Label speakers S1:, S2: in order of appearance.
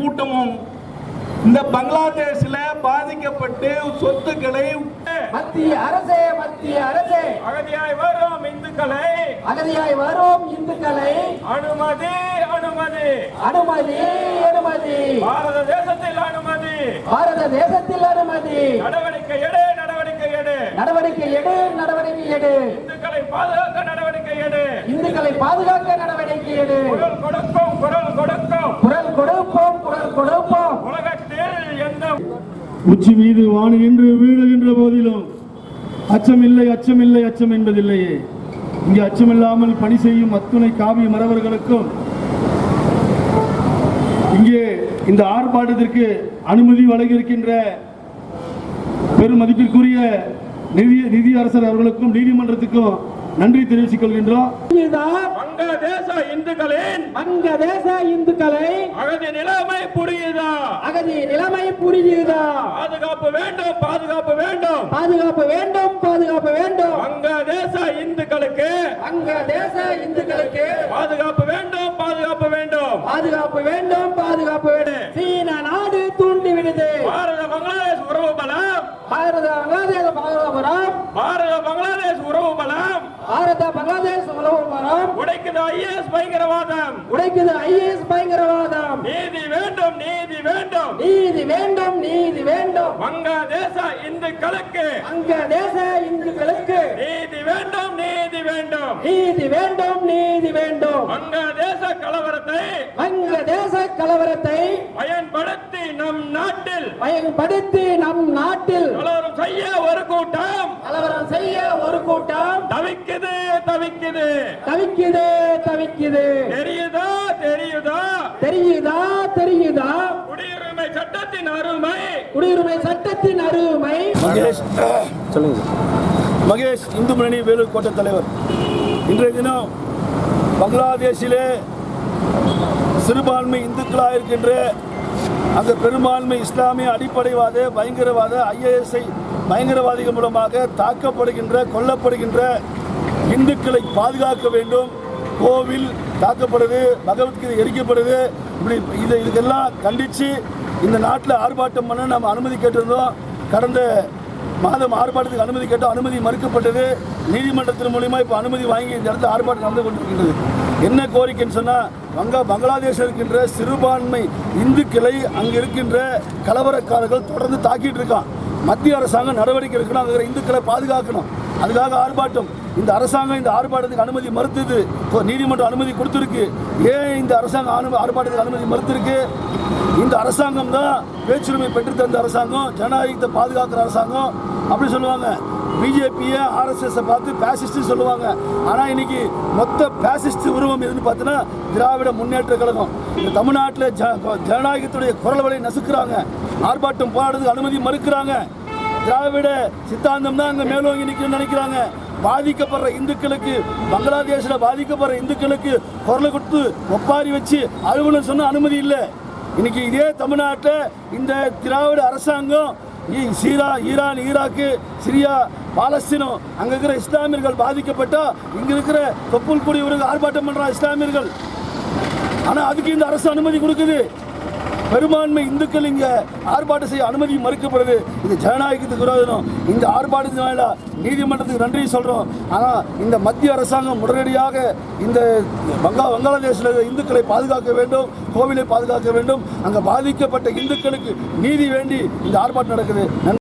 S1: கூட்டமும் இந்த பங்களாதேஷ்ல பாதிக்கப்பட்டு சொத்துக்களை
S2: மத்திய அரசே
S1: அகதியாய் வரும் இந்துக்களை அனுமதி பாரத தேசத்தில் அனுமதி நடவடிக்கை எடு இந்துக்களை பாதுகாக்க நடவடிக்கை எடு குரல் கொடுப்போம் உலகத்தில் எந்த
S3: உச்சி மீது வாணுகின்ற வீழுகின்ற போதிலும் அச்சம் என்பதில்லையே. இங்கே அச்சமில்லாமல் பணி செய்யும் அத்துணை காவி மறவர்களுக்கும் இங்கே இந்த ஆர்ப்பாட்டத்திற்கு அனுமதி வழங்கியிருக்கின்ற பெருமதிப்பிற்குரிய நிதியரசர் அவர்களுக்கும் நீதிமன்றத்துக்கும் நன்றி தெரிவித்துக் கொள்கின்றோம்.
S2: வங்கதேச இந்துக்களை அகதி நிலைமை புரியுதா? பாதுகாப்பு வேண்டும். வங்கதேச இந்துக்களுக்கு பாதுகாப்பு வேண்டும். சீன நாடு தூண்டிவிடுது. பாரத பங்களாதேஷ் உறவு பலம் உடைக்குது ஐஎஸ் பயங்கரவாதம். நீதி வேண்டும். வங்கதேச இந்துக்களுக்கு நீதி வேண்டும். வங்கதேச கலவரத்தை பயன்படுத்தி நம் நாட்டில் கலவரம் செய்ய ஒரு கூட்டம் தவிக்குது. தெரியுதா? குடியுரிமை சட்டத்தின் அருமை.
S3: மகேஷ் இந்து முன்னணி வேலூர் கோட்ட தலைவர். இன்றைய தினம் பங்களாதேஷிலே சிறுபான்மை இந்துக்களாக இருக்கின்ற அந்த பெரும்பான்மை இஸ்லாமிய அடிப்படைவாத பயங்கரவாத ஐஎஸ்ஐ பயங்கரவாதிகள் மூலமாக தாக்கப்படுகின்ற கொல்லப்படுகின்ற இந்துக்களை பாதுகாக்க வேண்டும். கோவில் தாக்கப்படுது, பகவத்கீதை எரிக்கப்படுது. இப்படி இதுக்கெல்லாம் கண்டித்து இந்த நாட்டில் ஆர்ப்பாட்டம் பண்ண நம்ம அனுமதி கேட்டிருந்தோம். கடந்த மாதம் ஆர்ப்பாட்டத்துக்கு அனுமதி கேட்டோம், அனுமதி மறுக்கப்பட்டது. நீதிமன்றத்தின் மூலிமா இப்போ அனுமதி வாங்கி இந்த இடத்துல ஆர்ப்பாட்டம் நடந்து கொண்டிருக்கின்றது. என்ன கோரிக்கைன்னு சொன்னால், பங்களாதேஷில் இருக்கின்ற சிறுபான்மை இந்துக்களை அங்கே இருக்கின்ற கலவரக்காரர்கள் தொடர்ந்து தாக்கிட்டு இருக்கான். மத்திய அரசாங்கம் நடவடிக்கை எடுக்கணும், அங்கே இந்துக்களை பாதுகாக்கணும். அதுக்காக ஆர்ப்பாட்டம். இந்த அரசாங்கம் இந்த ஆர்ப்பாட்டத்துக்கு அனுமதி மறுத்தது. நீதிமன்றம் அனுமதி கொடுத்துருக்கு. ஏன் இந்த அரசாங்கம் ஆர்ப்பாட்டத்துக்கு அனுமதி மறுத்திருக்கு? இந்த அரசாங்கம் தான் பேச்சுரிமை பெற்று தந்த அரசாங்கம், ஜனநாயகத்தை பாதுகாக்கிற அரசாங்கம் அப்படி சொல்லுவாங்க. பிஜேபியை ஆர்எஸ்எஸை பார்த்து பேசிஸ்ட் சொல்லுவாங்க. ஆனால் இன்னைக்கு மொத்த பேசிஸ்ட் உருவம் எதுன்னு பார்த்தீங்கன்னா திராவிட முன்னேற்ற கழகம். இந்த தமிழ்நாட்டில் ஜனநாயகத்துடைய குரல் வலை நசுக்கிறாங்க. ஆர்ப்பாட்டம் போராடுறதுக்கு அனுமதி மறுக்கிறாங்க. திராவிட சித்தாந்தம் தான் அங்கே மேலோங்கி நிற்கணும்னு நினைக்கிறாங்க. பாதிக்கப்படுற இந்துக்களுக்கு, பங்களாதேஷில் பாதிக்கப்படுற இந்துக்களுக்கு குரலை கொடுத்து ஒப்பாரி வச்சு அலுவலகம் சொன்ன அனுமதி இல்லை. இன்னைக்கு இதே தமிழ்நாட்டில் இந்த திராவிட அரசாங்கம் ஈரான், ஈராக்கு, சிரியா, பாலஸ்தீனம் அங்கே இருக்கிற இஸ்லாமியர்கள் பாதிக்கப்பட்டா இங்கே இருக்கிற தொப்புள் கூடியவர்கள் ஆர்ப்பாட்டம் பண்ணுறாங்க இஸ்லாமியர்கள். ஆனால் அதுக்கு இந்த அரசு அனுமதி கொடுக்குது. பெரும்பான்மை இந்துக்கள் இங்கே ஆர்ப்பாட்டம் செய்ய அனுமதி மறுக்கப்படுது. இது ஜனநாயகத்துக்கு விரோதம். இந்த ஆர்ப்பாட்டத்தினால நீதிமன்றத்துக்கு நன்றி சொல்கிறோம். ஆனால் இந்த மத்திய அரசாங்கம் உடனடியாக இந்த பங்களாதேஷில் இந்துக்களை பாதுகாக்க வேண்டும், கோவிலை பாதுகாக்க வேண்டும். அங்கே பாதிக்கப்பட்ட இந்துக்களுக்கு நீதி வேண்டி இந்த ஆர்ப்பாட்டம் நடக்குது.